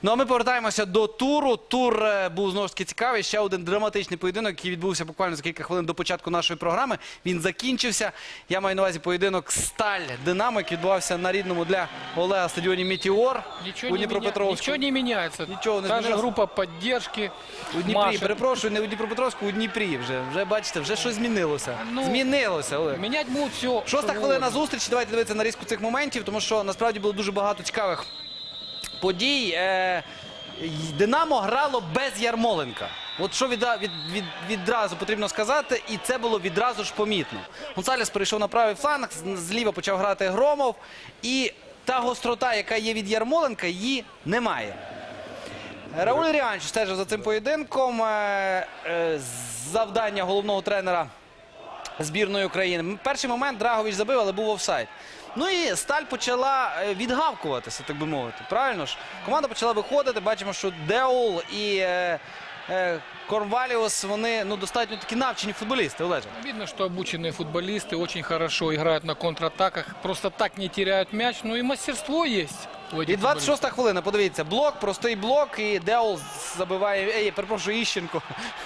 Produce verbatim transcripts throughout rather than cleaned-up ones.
Ну а ми повертаємося до туру. Тур е, був знову ж таки цікавий. Ще один драматичний поєдинок, який відбувся буквально за кілька хвилин до початку нашої програми. Він закінчився. Я маю на увазі поєдинок Сталь-Динамо, який відбувався на рідному для Олега стадіоні Метеор Ничего у не, меня... Дніпропетровську. Ничего не меняется. Ничего не Та же изменилось. группа поддержки. У Дніпрі, Машет. перепрошую, не у Дніпропетровську, у Дніпрі вже. Вже бачите, вже щось змінилося. Ну, Змінилося, Олег. Менять будут все. Шоста хвилина зустрічі. Давайте дивитися на різку цих моментів, тому що насправді було дуже багато цікавих подій. Е, Динамо грало без Ярмоленка. От що від, від, від, відразу потрібно сказати, і це було відразу ж помітно. Гонсалес перейшов на правий фланг, зліва почав грати Громов, і та гострота, яка є від Ярмоленка, її немає. Рауль Ріанч стежив за цим поєдинком. Е, е, завдання головного тренера збірної України. Перший момент Драгович забив, але був офсайд. Ну і Сталь почала відгавкуватися, так би мовити. Правильно ж? Команда почала виходити. Бачимо, що Деул і е, е, Корнваліус, вони ну, достатньо такі навчені футболісти, Олеже. Видно, что обученные футболисты очень хорошо играют на контратаках. Просто так не теряют мяч. Ну и мастерство есть. У этих І двадцять шоста хвилина, подивіться, блок, простий блок, і Деул забиває, ей, перепрошую, Іщенко.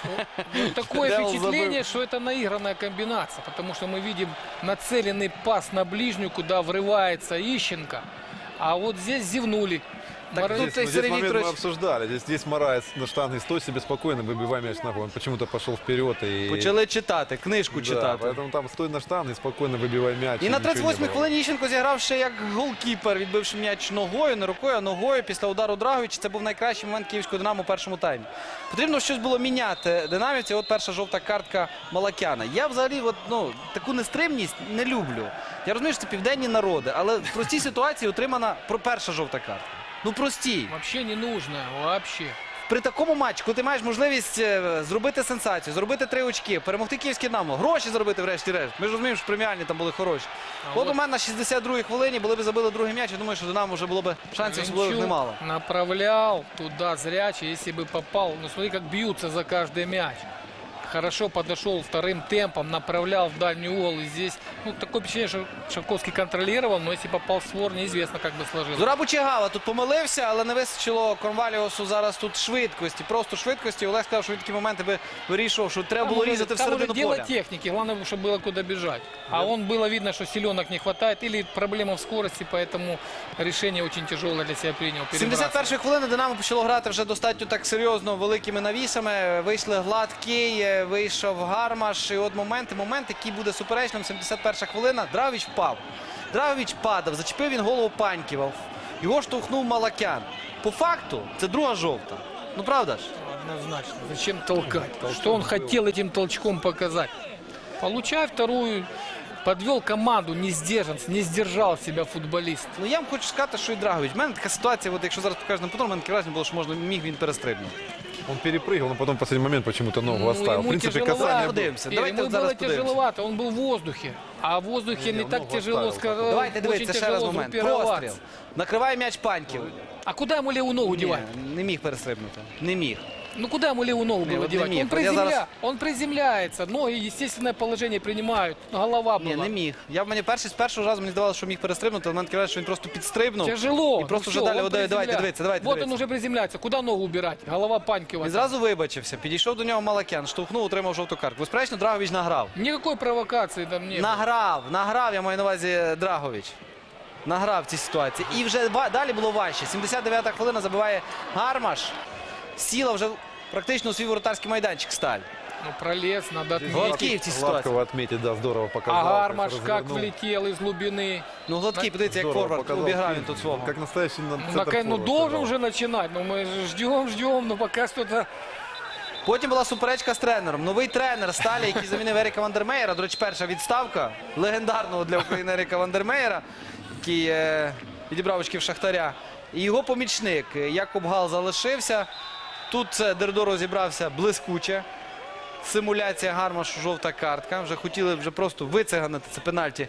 Ну, такое Деул впечатление, забыл. что это наигранная комбинация, потому что мы видим нацеленный пас на ближнюю, куда врывается Ищенко, а вот здесь зевнули. Так Морозов- тут Здесь, ну, здесь Сергей момент мы Викторович- обсуждали. Здесь, здесь Мораец на штанге стой себе спокойно, выбивай мяч ногой. Он почему-то пошел вперед. И... Почали читати, книжку Да, читати. поэтому там стой на штанге, спокойно выбивай мяч. І на ничего тридцять не восьмій было. хвилині Іщенко зіграв ще як голкіпер, відбивши м'яч ногою, не рукою, а ногою після удару Драговича. Це був найкращий момент київського «Динамо» у першому таймі. Потрібно щось було міняти динамівці. От перша жовта картка Малакяна. Я взагалі от, ну, таку нестримність не люблю. Я розумію, що це південні народи, але в простій ситуації отримана про- перша жовта картка. Ну простій. Вообще не нужно, вообще. При такому матчі, коли ти маєш можливість е, зробити сенсацію, зробити три очки, перемогти київське «Динамо», гроші заробити врешті-решт. Ми ж розуміємо, що преміальні там були хороші. А От от- у мене на шістдесят другій хвилині, були б забили другий м'яч, я думаю, що «Динамо» вже було б шансів особливих Левчук немало. направлял туда зрячий, если бы попал. Ну смотри, как бьются за каждый мяч. Хорошо подошел вторым темпом, направлял в дальний угол. И здесь, ну, такое впечатление, что Шавковский контролировал, но если попал в створ, неизвестно, как бы сложилось. Зураб Учигава тут помилився, але не вистачило Корнваліусу зараз тут швидкості, просто швидкості. Олег сказав, що він такі моменти би вирішував, що треба Там було уже- різати там уже всередину дело поля. техники, главное, чтобы было куда бежать. А он было видно, что силенок не хватает или проблема в скорости, поэтому решение очень тяжелое для себя принял. сімдесят першої хвилини «Динамо» почало грати вже достатньо так серйозно великими навісами. Вийшли Гладкий, вийшов Гармаш. І от моменти, момент, який буде суперечним. сімдесят перша хвилина. Драгович впав. Драгович падав, зачепив він голову Паньківа. Його штовхнув Малакян. По факту, це друга жовта. Ну правда ж? Однозначно. Зачем толкать? Что он хотел этим толчком показать? Получай вторую. Подвел команду, не сдержан, не сдержал себя футболист. Ну я вам хочу сказати, що і Драгович. У мене така ситуація, от якщо зараз покажу на повтор, у мене таке враження було, що можна міг він перестрибнути. Он перепрыгивал, но потом в последний момент почему-то ногу Ну, оставил. В ему принципе, тяжеловато. касание было. Подивимося. Ир, Давайте ему от зараз было подивимося. тяжеловато, он был в воздухе. А в воздухе Не, не не, так ногу тяжело оставил. сказать. Давайте дивитися Очень ще раз тяжело момент. группироваться. Простріл. Накриває м'яч Паньків. А куда ему левую ногу Ні, девать? не міг перестрибнути. Не міг. Ну куда ему левую ногу Не, было вот не девать? миг. Он, Вот я приземля... зараз- он приземляется, ноги естественное положение принимают, голова Ні, была. не міг. Я в мене перший з першого разу мені здавалося, що міг перестрибнути, але в мене таке враження, що він просто підстрибнув. Тяжело. І просто Ну вже всё, далі, он от, давайте, приземля- дивіться, давайте, Вот дивіться. он уже приземляется. Куда ногу убирать? Голова Панькова. Він зразу вибачився, підійшов до нього Малакян, штовхнув, отримав жовту картку. Безперечно, Драгович награв. Никакой провокации там не было. Награв, награв, я маю на увазі Драгович. Награв в цій ситуації. І вже ва- далі було важче. сімдесят дев'ята хвилина забиває Гармаш. Сіла вже практично у свій воротарський майданчик Сталь. Ну пролез, надо Здесь отметить. Гладкий в цій ситуації. Гладкого отметить, да, здорово показал. А Гармаш как как развернул. влетел из глубины. Ну, Гладкий, подивіться, як Здорово форвард показал. обіграв він тут свого. Как настоящий на Ну, центр нака- ну форвард должен сыграл. уже начинать. Ну мы же ждем, ждем, но пока что-то... Потім була суперечка з тренером. Новий тренер Сталі, який замінив Еріка Вандермеєра. До речі, перша відставка легендарного для України Еріка Вандермеєра, який е, відібрав очків Шахтаря. І його помічник Якоб Гал залишився. Тут е, Дердо розібрався блискуче. Симуляція Гармашу, жовта картка. Вже хотіли вже просто вициганити це пенальті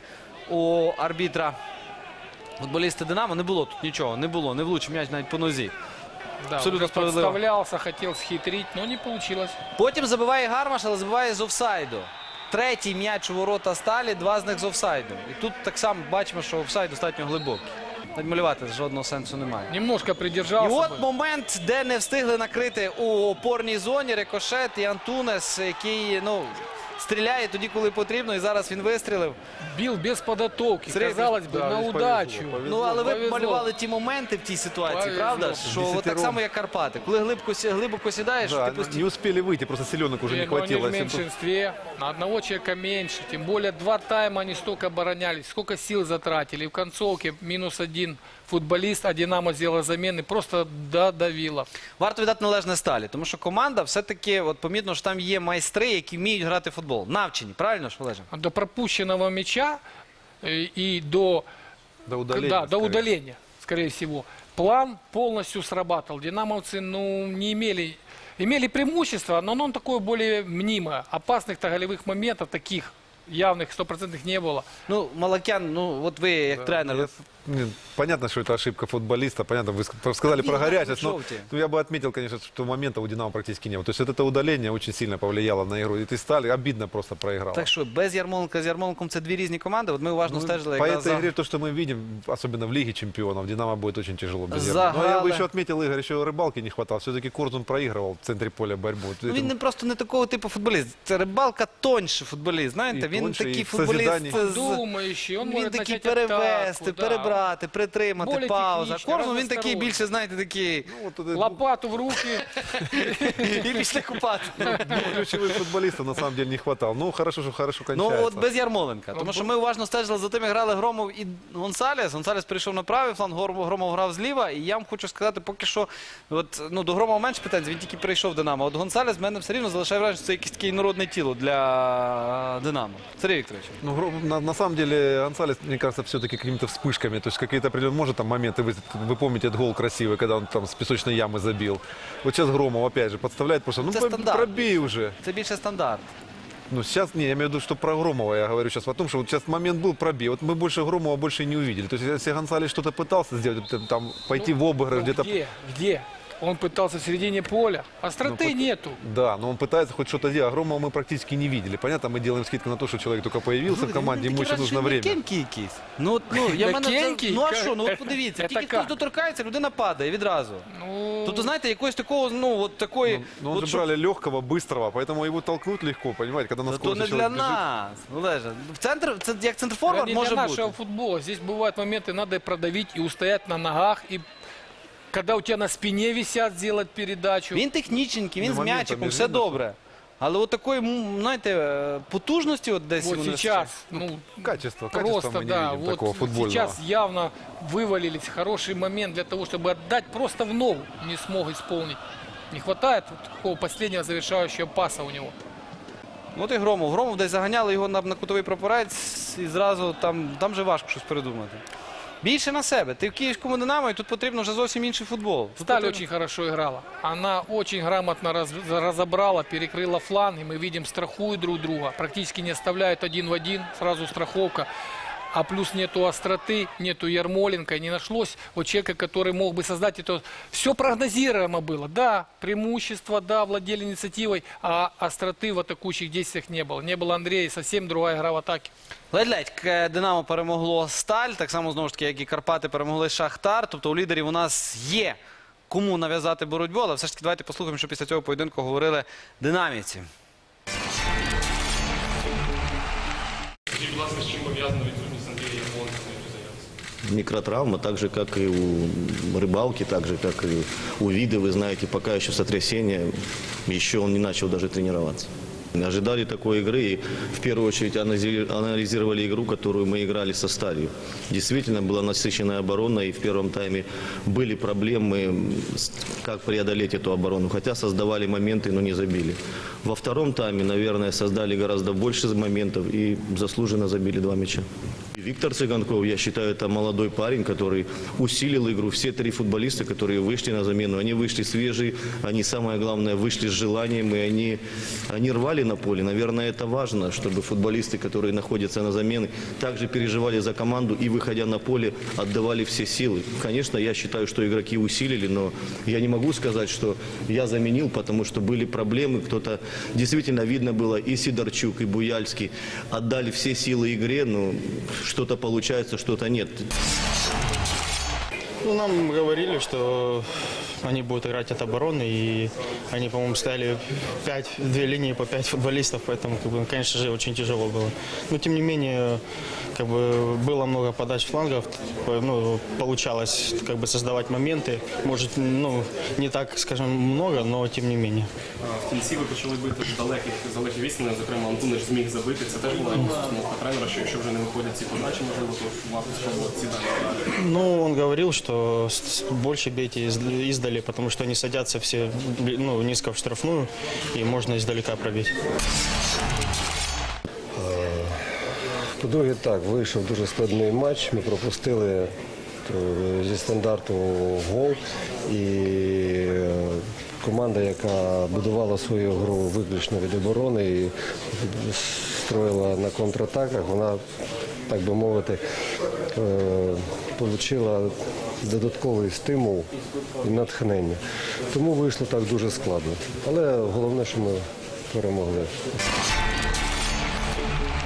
у арбітра. Футболісти «Динамо». Не було тут нічого, не було, не влучив м'яч навіть по нозі. Да, Абсолютно уже справедливо. подставлялся, хотел схитрить, но не получилось. Потім забиває Гармаш, але забиває з офсайду. третій м'яч у ворота Сталі, два з них з офсайду. І тут так само бачимо, що офсайд достатньо глибокий. Навіть малювати жодного сенсу немає. Немножко І придержался от бы. момент, де не встигли накрити у опорній зоні Рикошет і Антунес, який, ну, стріляє тоді, коли потрібно, і зараз він вистрілив. Бил без подготовки. Средний. Казалось бы, Да, на здесь удачу. повезло, Ну, але ви Повезло. малювали ті моменти в тій ситуації, Повезло. правда? Що от так Десятером. само, як Карпати. Коли глибоко, сі- глибоко сідаєш, Да, ти постійно... не успели выйти, просто селенок уже И, не но они хватило. в Если бы- меньшинстве, на одного человека меньше. Тем более два тайма они столько оборонялись, сколько сил затратили. И в концовке минус один футболист, а Динамо сделала замены, просто додавило. Варто віддати належне Сталі, тому що команда все-таки, от помітно, що там є майстри, які вміють грати в футбол. Навчені, правильно ж, Олеже? До пропущенного мяча э, и до, До удаления. да, до скорее. удаления, скорее всего, план полностью срабатывал. Динамовцы ну, не имели, имели преимущество, но оно такое более мнимое. Опасных-то голевых моментов таких явных, стопроцентных не было. Ну, Малакян, ну, от ви як Да, тренер, я ви- с- не, понятно, что это ошибка футболиста. Понятно, вы ск- сказали Видно, про горячность. как Но желтые. ну, я бы отметил, конечно, что момента у Динамо практически не было. То есть вот это удаление очень сильно повлияло на игру. И ты стали, обидно просто проиграл. так що без Ярмоленка з Ярмоленком це дві різні команди. От ми уважно стежили по якраз этой за... игре, то, что мы видим, особенно в Лиге чемпионов, Динамо будет очень тяжело без Загалы. Ярмоленко. Но я бы еще отметил, Игорь, еще рыбалки не хватало. Все-таки Корзун проигрывал в центре поля борьбу. Вот Ну, він этим- не просто не такого типу футболіст. Це Рибалка тоньше футболіст. Знаєте, І він тоньше, такий і в футболіст. созіданні. з- Думающий, он Він может такий начать перевести, атаку, да. перебрати, притримати, Более пауза. технічний, Корзун він такий разносторонній. більше, знаєте, такий Ну, вот это- Лопату в руки. і після купати. Ключевых футболистов на самом деле не хватало. Ну, хорошо, что хорошо Ну кончается. от без Ярмоленка. Тому що ми уважно стежили за тим, як грали Громов і Гонсалес. Гонсалес прийшов на правий фланг, Гром- Громов грав зліва. І я вам хочу сказати, поки що, от, ну, до Громова менше претензій, він тільки прийшов в Динамо. От Гонсалес в мене все рівно залишає враження, що це якесь таке інородне тіло для Динамо. Сергій Вікторович. Ну, Гро- на, на самом деле, Гонсалес, мне кажется, все-таки какими-то вспышками. То есть какие-то определенные, может, там моменты, вы, вы помните этот гол красивый, когда он там с песочной ямы забил. Вот сейчас Громов, опять же, подставляет просто, ну, Это по- стандарт. пробей уже. Це більше стандарт. Ну, сейчас, не, я имею в виду, что про Громова я говорю сейчас о том, что вот сейчас момент был пробей. Вот мы больше Громова больше и не увидели. То есть, если Гонсалес что-то пытался сделать, т- там, пойти в обыгрыш, Ну, где-то... где? Где? Он пытался в середине поля. Остроты Ну, пот- нету. Да, но он пытается хоть что-то делать. А Громова мы практически не видели. Понятно, мы делаем скидку на то, что человек только появился в команде, ему еще нужно время. М'якенький якийсь. Ну, от, ну, я мене, М'якенький? ну а що, ну от подивіться, Це тільки така. хтось доторкається, людина падає відразу. Ну, Тобто, знаєте, якогось такого, ну, от такої... Ну, ну, он от же щоб- брали легкого, быстрого, поэтому его толкнуть легко, понимаете, когда на Та то скорости не для человек бежит. нас, Олеже. В центр, це як это центрфорвард не може для бути. нашего футбола. Здесь бывают моменты, надо продавить и устоять на ногах. И когда у тебя на спине висят, сделать передачу. Він технічненький, він Ну, з моментом м'ячиком, не все видно, що- добре. Але от такої, м, знаєте, е, потужності от десь Вот йому не сейчас, ну, Качество, качество просто, мы не да, видим вот такого футбольного. сейчас явно вывалились. Хороший момент для того, чтобы отдать просто в ногу. Не смог исполнить. Не хватает вот такого последнего завершающего паса у него. От і Громов. Громов десь заганяли його на, на кутовий прапорець і зразу там, там же важко щось придумати. Більше на себе. Ти в київському «Динамо» і тут потрібно вже зовсім інший футбол. Тут Сталь потрібно- очень хорошо играла. Она очень грамотно раз- разобрала, перекрыла фланг. И мы видим, страхуют друг друга. Практически не оставляют один в один. Сразу страховка. А плюс нету остроты, нету Ярмоленко. Не нашлось вот человека, который мог бы создать это. Все прогнозируемо было. Да, преимущество, да, владели инициативой. А остроты в атакующих действиях не было. Не было Андрея. Совсем другая игра в атаке. Ледь-ледь е, «Динамо» перемогло «Сталь», так само, знову ж таки, як і «Карпати» перемогли «Шахтар». Тобто у лідерів у нас є кому нав'язати боротьбу, але все ж таки давайте послухаємо, що після цього поєдинку говорили динамівці. Скажіть, будь ласка, з чим пов'язана відсутність Андрія Ярмоленка на цю заявці? Микротравма, так же, как и у Рыбалки, так же, как и у Вида, вы знаете, пока еще сотрясение, еще он не начал даже тренироваться. Ожидали такой игры и в первую очередь анализи- анализировали игру, которую мы играли со Сталью. Действительно была насыщенная оборона и в первом тайме были проблемы, с- как преодолеть эту оборону, хотя создавали моменты, но не забили. Во втором тайме, наверное, создали гораздо больше моментов и заслуженно забили два мяча. Виктор Цыганков, я считаю, это молодой парень, который усилил игру. Все три футболиста, которые вышли на замену, они вышли свежие, они, самое главное, вышли с желанием, и они, они рвали на поле. Наверное, это важно, чтобы футболисты, которые находятся на замене, также переживали за команду и, выходя на поле, отдавали все силы. Конечно, я считаю, что игроки усилили, но я не могу сказать, что я заменил, потому что были проблемы. Кто-то, действительно, видно было, и Сидорчук, и Буяльский отдали все силы игре, но что-то получается, что-то нет. Ну, нам говорили, что они будут играть от обороны, и они, по-моему, ставили пять, две линии по пять футболистов, поэтому, как бы, конечно же, очень тяжело было. Но, тем не менее, как бы, было много подач флангов, ну, получалось как бы создавать моменты, может, ну, не так, скажем, много, но тем не менее. В кінці ви почали бити з далеких, з далеких відстаней, зокрема, Антуниш зміг забити. Це теж була якась установка тренера, що якщо вже не виходять ці подачі, можливо, то варто спробувати ці далі. Ну, он говорил, что с- больше бейте из- издали, потому что они садятся все, ну, низко в штрафную, и можно издалека пробить. По-друге, так, вийшов дуже складний матч. Ми пропустили е, зі стандарту гол. І е, команда, яка будувала свою гру виключно від оборони і строїла на контратаках, вона, так би мовити, отримала додатковий стимул і натхнення. Тому вийшло так дуже складно. Але головне, що ми перемогли.